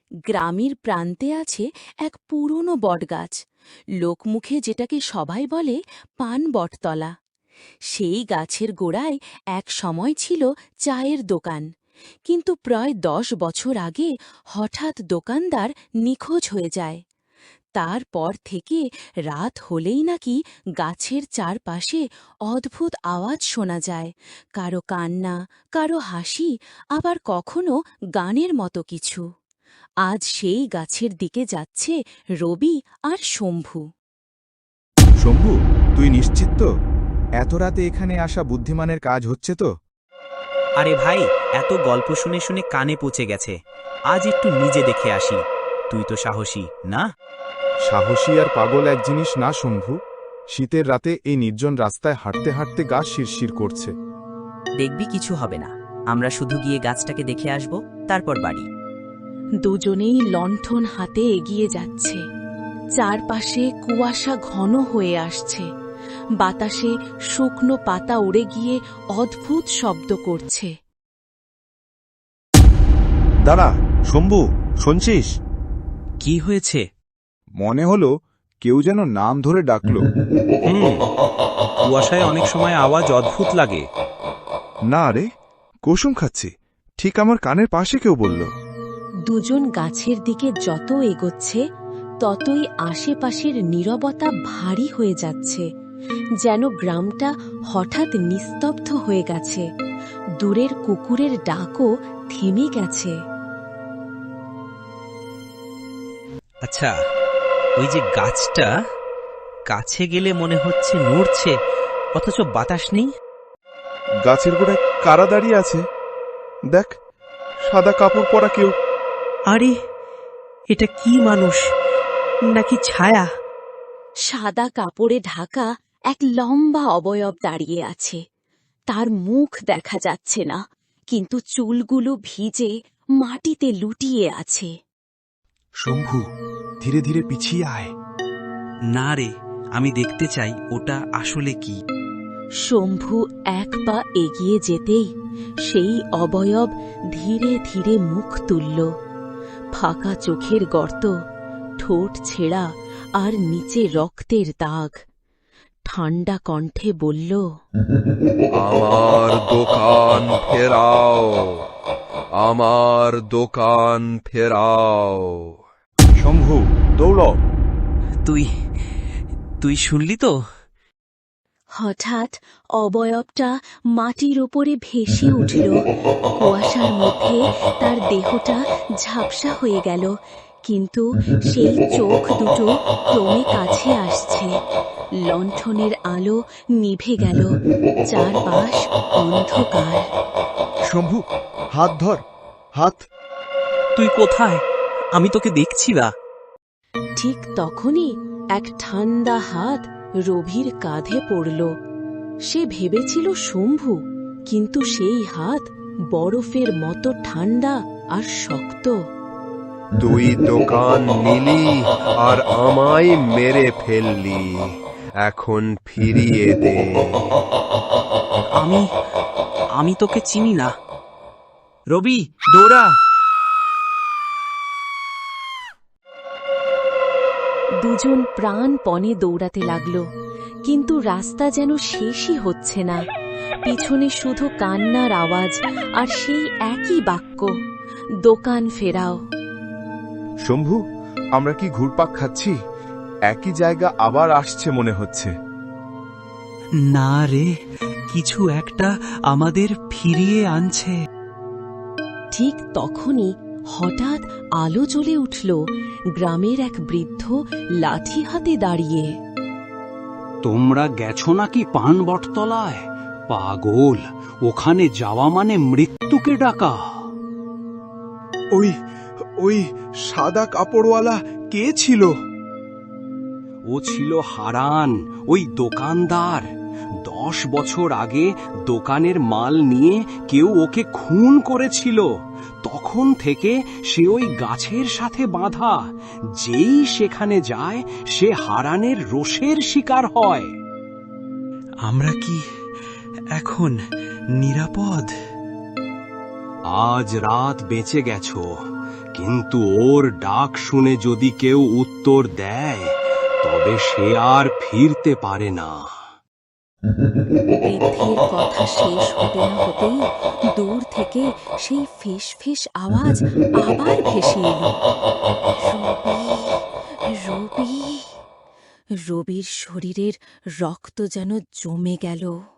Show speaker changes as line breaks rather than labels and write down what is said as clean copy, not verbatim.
গ্রামের প্রান্তে আছে এক পুরনো বটগাছ, লোকমুখে যেটাকে সবাই বলে পান বটতলা। সেই গাছের গোড়ায় এক সময় ছিল চায়ের দোকান, কিন্তু প্রায় 10 বছর আগে হঠাৎ দোকানদার নিখোঁজ হয়ে যায়। তারপর থেকে রাত হলেই নাকি গাছের চারপাশে অদ্ভুত আওয়াজ শোনা যায়, কারো কান্না, কারো হাসি, আবার কখনো গানের মতো কিছু। আজ সেই গাছের দিকে যাচ্ছে রবি আর শম্ভু।
শম্ভু, তুই নিশ্চিত তো এত রাতে এখানে আসা বুদ্ধিমানের কাজ হচ্ছে তো?
আরে ভাই, এত গল্প শুনে শুনে কানে পচে গেছে। আজ একটু নিজে দেখে আসি। তুই তো সাহসী না?
সাহসী আর পাগল এক জিনিস না শম্ভু। শীতের রাতে এই নির্জন রাস্তায় হাঁটতে হাঁটতে গা শিরশির করছে।
দেখবি কিছু হবে না। আমরা শুধু গিয়ে গাছটাকে দেখে আসব, তারপর বাড়ি।
দুজনেই লণ্ঠন হাতে এগিয়ে যাচ্ছে। চারপাশে কুয়াশা ঘন হয়ে আসছে, বাতাসে শুকনো পাতা উড়ে গিয়ে অদ্ভুত শব্দ করছে।
দাঁড়া শম্ভু, শুনছিস?
কি হয়েছে?
মনে হলো কেউ যেন নাম ধরে ডাকলো।
কুয়াশায় অনেক সময় আওয়াজ অদ্ভুত লাগে।
না রে, কুসুম খাচ্ছি, ঠিক আমার কানের পাশে কেউ বলল।
দুজন গাছের দিকে যত এগোচ্ছে ততই আশেপাশের নীরবতা ভারী হয়ে যাচ্ছে, যেন গ্রামটা হঠাৎ নিস্তব্ধ হয়ে গেছে। দূরের কুকুরের ডাকও থেমে গেছে।
আচ্ছা, ওই যে গাছটা, কাছে গেলে মনে হচ্ছে নড়ছে, অথচ বাতাস নেই।
গাছের গোড়ায় কারা দাঁড়িয়ে আছে? দেখ, সাদা কাপড় পরা কেউ।
আরে, এটা কি মানুষ নাকি ছায়া?
সাদা কাপড়ে ঢাকা এক লম্বা অবয়ব দাঁড়িয়ে আছে। তার মুখ দেখা যাচ্ছে না, কিন্তু চুলগুলো ভিজে মাটিতে লুটিয়ে আছে।
শম্ভু, ধীরে ধীরে পিছিয়ে আয়।
না রে, আমি দেখতে চাই ওটা আসলে কি।
শম্ভু এক পা এগিয়ে যেতেই সেই অবয়ব ধীরে ধীরে মুখ তুলল। ফাঁকা চোখের গর্ত, ঠোঁট ছেঁড়া আর নিচে রক্তের দাগ। ঠান্ডা কণ্ঠে বলল,
আমার দোকান ফেরাও, আমার দোকান ফেরাও।
শম্ভু, দৌড়।
তুই শুনলি তো?
হঠাৎ অবয়বটা মাটির ওপরে ভেসে উঠল। কুয়াশার মধ্যে তার দেহটা ঝাপসা হয়ে গেল, কিন্তু সেই চোখ দুটো ক্রমে কাছে আসছে। লণ্ঠনের আলো নিভে গেল, চারপাশ অন্ধকার।
শম্ভু, হাত ধর, হাত।
তুই কোথায়? আমি তোকে দেখছি না।
ঠিক তখনই এক ঠান্ডা হাত রবির কাঁধে পড়ল। সে ভেবেছিল শম্ভু, কিন্তু সেই হাত বরফের মতো ঠান্ডা আর শক্ত।
তুই দোকান নিলি আর আমায় মেরে ফেললি, এখন ফিরিয়ে দে।
আমি তোকে চিনি না। রবি, দৌড়া!
দুজন প্রাণপণে দৌড়াতে লাগল, কিন্তু রাস্তা যেন শেষই হচ্ছে না। পিছনে শুধু কান্নার আওয়াজ আর সেই একই বাক্য, দোকান ফেরাও।
শম্ভু, আমরা কি ঘুরপাক খাচ্ছি? একই জায়গা আবার আসছে মনে হচ্ছে।
না রে, কিছু একটা আমাদের ফিরিয়ে আনছে।
ঠিক তখনই হঠাৎ আলো জ্বলে উঠল। গ্রামের এক বৃদ্ধ লাঠি হাতে দাঁড়িয়ে।
তোমরা গেছো নাকি পান বটতলায়? পাগল, ওখানে যাওয়া মানে মৃত্যুকে ডাকা।
ওই ওই সাদা কাপড়ওয়ালা কে ছিল?
ও ছিল হারান, ওই দোকানদার। 10 বছর আগে দোকানের মাল নিয়ে কেউ ওকে খুন করেছিল। তখন থেকে সে ওই গাছের সাথে বাঁধা। যেই সেখানে যায় সে হারানের রোষের শিকার হয়।
আমরা কি এখন নিরাপদ?
আজ রাত বেঁচে গেছো, কিন্তু ওর ডাক শুনে যদি কেউ উত্তর দেয় তবে সে আর ফিরতে পারে না।
বৃদ্ধের কথা শেষ হতে না হতেই দূর থেকে সেই ফিস ফিস আওয়াজ আবার ভেসে এলো, রবি। রবির শরীরের রক্ত যেন জমে গেল।